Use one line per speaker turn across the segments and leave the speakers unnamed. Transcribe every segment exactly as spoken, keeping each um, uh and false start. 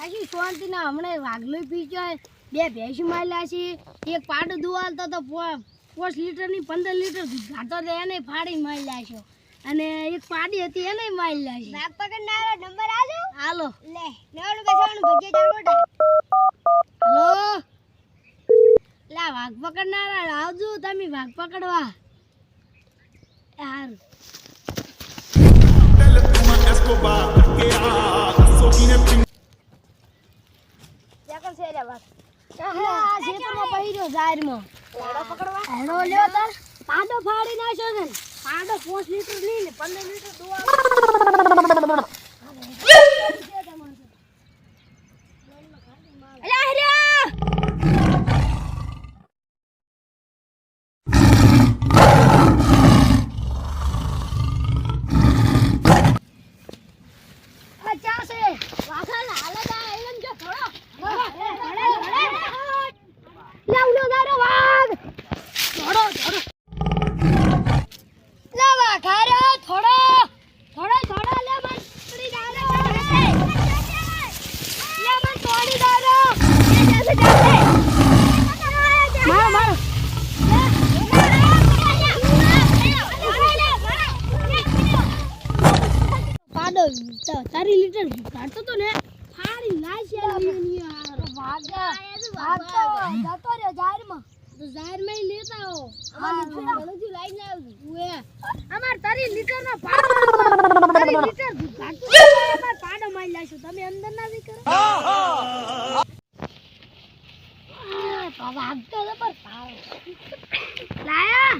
આજી શાંતિ ના હમણે વાગલો પીચો બે ભેંસ માયલા છે એક પાડો દુવાલતો તો પાંચ લીટર ની પંદર લીટર દૂધ ગાતો તો એને ફાડી માયલા છે અને એક પાડી હતી એને માયલા છે ભાગ પકડનારો નંબર આજો હાલો લે નવનું બેસવાનું ભજે ચાલો હાલો લા વાઘ પકડનારા આવજો તમે વાઘ પકડવા હારું જાકર છે રે વાત આ ખેતરમાં પહીરો જાહેરમાં પાડો પકડવા હેડો લ્યો તાર પાડો ફાડી નાખ્યો છે પાડો પાંચ લીટર લઈને પંદર લીટર દુવા અલા હરિયા પચાસ વાખા હાલે દા એમ જો થોડો લાવલો દારો વાગ થોડો થોડો લાવા ખારો થોડો થોડો થોડો લે મન પડી દારો લે મન તોડી દારો જલ્દી જલ્દી મારો મારો પાડો તારી લીટર કાઢતો તો ને ફાડી લાશ્યા ની યાર ભાગા ભાગતો જતો રે જાહેરમાં તો જાહેરમાં ઈ લેતા હો અમાર ઘણું લાઈન આવજો ઓએ અમાર તારી લીટર નો પાડો તારી લીટર કાઢતો અમાર પાડો મારી લાશો તમે અંદર ના દી કરો આ તો ભાગતો તો પર પાડો લાયા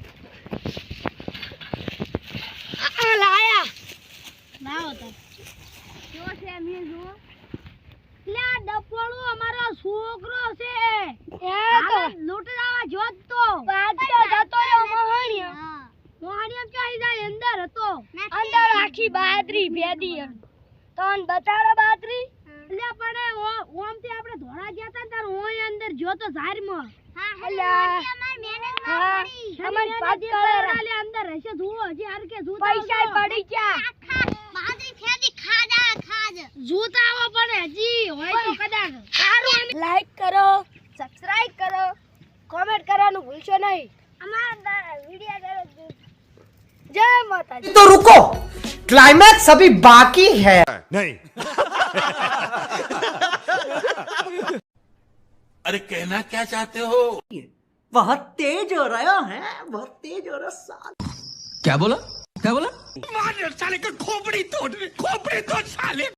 આ લાયા ના હોતા જો છે મે જો લે ડપોળો અમારો છોકરો છે એ તો લૂંટરાવા જોત તો પાડતો જતો રે મોહણિયા મોહણિયા ક્યાં જાય અંદર હતો અંદર આખી બાદરી ભેદી તન બતાડો બાદરી લે પણ ઓમ થી આપણે ધોળા ગયા તા તાર ઓય અંદર જો તો ઝારમાં હા અલ્યા અમાર મહેનત ના પડી અમાર પાછળ લે અંદર હશે જુઓ હજી હર કે જૂતા પૈસા પડી ગયા બાદરી ફેદી ખાજા ખાજ જૂતા આવો પણ હજી હોય તો કદાચ સારું લાઈક કરો સબસ્ક્રાઇબ કરો કમેન્ટ કરવાનું ભૂલશો નહીં અમારા વિડિયો જય માતાજી
तो रुको क्लाइमैक्स अभी बाकी है
नहीं अरे कहना क्या चाहते हो
बहुत तेज हो रहा है बहुत तेज हो रहा है
क्या बोला क्या बोला
मार साले का खोपड़ी तोड़ खोपड़ी तोड़ साले